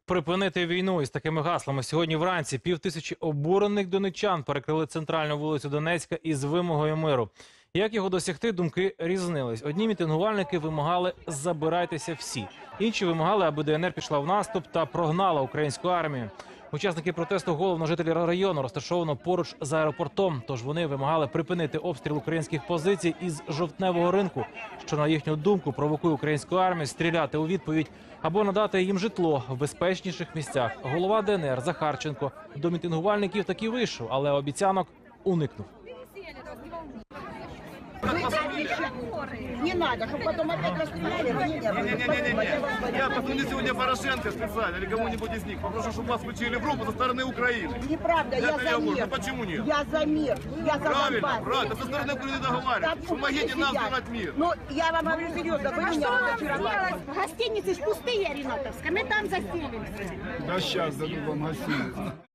Припинити війну. Із такими гаслами сьогодні вранці 5000 обурених донеччан перекрили центральну вулицю Донецька із вимогою миру. Як його досягти, думки різнились. Одні мітингувальники вимагали «забирайтеся всі». Інші вимагали, аби ДНР пішла в наступ та прогнала українську армію. Учасники протесту головно жителі району, розташовано поруч з аеропортом. Тож вони вимагали припинити обстріл українських позицій із жовтневого ринку, що, на їхню думку, провокує українську армію стріляти у відповідь або надати їм житло в безпечніших місцях. Голова ДНР Захарченко до мітингувальників таки вийшов, але обіцянок уникнув. Не надо, чтобы потом опять расстреляли. Не-не-не. Я позвоню сегодня Порошенко специально или кому-нибудь из них. Попрошу, чтобы вас включили в группу со стороны Украины. Неправда, я за мир. Ну почему нет? Я за мир. Я за Правильно, Донбасс. правильно. Со стороны Украины договаривайтесь. Помогите нам сделать мир. Ну, я вам говорю серьезно, вы меня разочаровали. Гостиницы ж пустые, Ренатовская, мы там заселимся. Да сейчас дадут вам гостиницу.